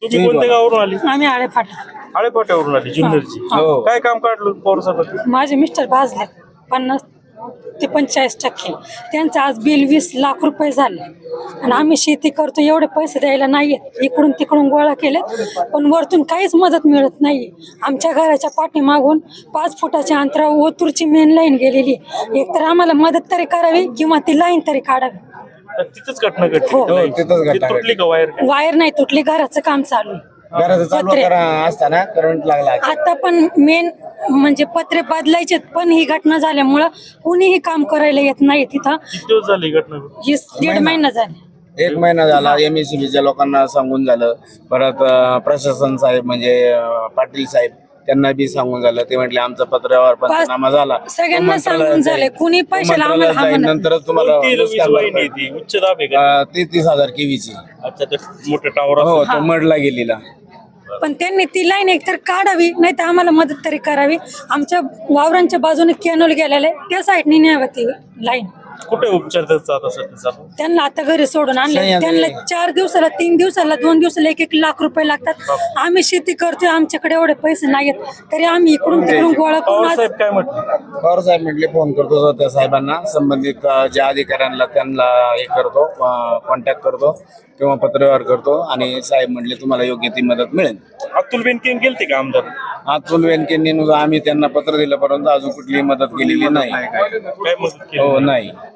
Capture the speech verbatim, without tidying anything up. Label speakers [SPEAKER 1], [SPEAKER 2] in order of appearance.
[SPEAKER 1] तुम्ही कोणत्या गावावरून आली?
[SPEAKER 2] आम्ही आळे फाटा.
[SPEAKER 1] आळेपाट्यावरून आली जुन्नरची.
[SPEAKER 3] हो.
[SPEAKER 1] काय काम काढलं पौरसभेत?
[SPEAKER 2] माझे मिस्टर भाजले पन्नास ते पंचेचाळीस टक्के. त्यांचं आज बिल वीस लाख रुपये झाले आणि आम्ही शेती करतो, एवढे पैसे द्यायला नाहीयेत. इकडून तिकडून गोळा केले पण वरतून काहीच मदत मिळत नाही. आमच्या घराच्या पाठीमागून पाच फुटाच्या अंतरावर ओतूरची मेन लाईन गेलेली. एकतर आम्हाला मदत तरी करावी किंवा ती लाईन तरी काढावी.
[SPEAKER 1] तर तिथंच घटना घडली.
[SPEAKER 2] हो.
[SPEAKER 3] हो, तिथंच घटना
[SPEAKER 1] ती तुटली
[SPEAKER 3] घडली.
[SPEAKER 1] का वायर?
[SPEAKER 2] वायर नाही तुटली, घराचं काम चालू आहे.
[SPEAKER 3] घराचं चालू
[SPEAKER 2] पत्रे.
[SPEAKER 3] करा असताना करंट लागला.
[SPEAKER 2] आता पण मेन म्हणजे पत्रे बदलायचे, पण ही घटना झाल्यामुळं कुणीही काम करायला येत नाही तिथं.
[SPEAKER 1] किती दिवस झाली ही घटना?
[SPEAKER 2] ही दीड महिना झाला.
[SPEAKER 3] एक महिना झाला. एम एस सी बीच्या लोकांना सांगून झालं. परत अं, प्रशासन साहेब म्हणजे अं, पाटील साहेब त्यांना बी सांगून झालं. ते म्हटले आमचा पत्रावर पंचनामा झाला.
[SPEAKER 2] सगळ्यांना सांगून
[SPEAKER 3] मंत्रालयात
[SPEAKER 2] झाले.
[SPEAKER 3] जाईल.
[SPEAKER 2] कुणी पैशाला आम्हाला
[SPEAKER 3] मंत्रालयात
[SPEAKER 2] हा
[SPEAKER 3] जाईल.
[SPEAKER 2] म्हणत
[SPEAKER 3] नंतरच तुम्हाला
[SPEAKER 1] कोणती वीज
[SPEAKER 3] नुकसान
[SPEAKER 1] वाहिनी
[SPEAKER 3] भरपाई.
[SPEAKER 1] आहे ती? उच्च दाब आहे का?
[SPEAKER 3] अं, ते तीस हजार केवीची.
[SPEAKER 1] अच्छा, ते मोठे टावर
[SPEAKER 3] हो,
[SPEAKER 1] असतात.
[SPEAKER 3] तो मडला गेलेला.
[SPEAKER 2] पण त्यांनी ती लाईन एकतर काढावी, नाही तर आम्हाला मदत तरी करावी. आमच्या वावरांच्या बाजूने कॅनोल गेलेला आहे, त्या साईडने न्यावं ती लाईन.
[SPEAKER 1] कुठे उपचार त्याचा आता सध्या चालू?
[SPEAKER 2] त्यांना आता घरी सोडून आणले.
[SPEAKER 3] सह्याद्री.
[SPEAKER 2] त्यांना चार दिवसाला, तीन दिवसाला, दोन दिवसाला एक एक लाख रुपये लागतात. आम्ही शेती करतोय, आमच्याकडे एवढे पैसे नाहीत, तरी आम्ही इकडून तिकडून गोळा करून
[SPEAKER 1] पवार
[SPEAKER 2] आज-
[SPEAKER 1] साहेब काय म्हटलं?
[SPEAKER 3] पवार साहेब म्हटले फोन करतो त्या साहेबांना, संबंधित अं, ज्या अधिकाऱ्यांना त्यांना हे करतो, कॉन्टॅक्ट करतो किंवा पत्रव्यवहार करतो आणि साहेब म्हटले तुम्हाला योग्य ती मदत मिळेल.
[SPEAKER 1] अतुल बेनके गेलते का आमदार?
[SPEAKER 3] अतुल वेनकेंनी आम्ही त्यांना पत्र दिलं, परंतु अजून कुठलीही मदत केलेली नाही.
[SPEAKER 1] काय मदत केली?
[SPEAKER 3] हो, नाही.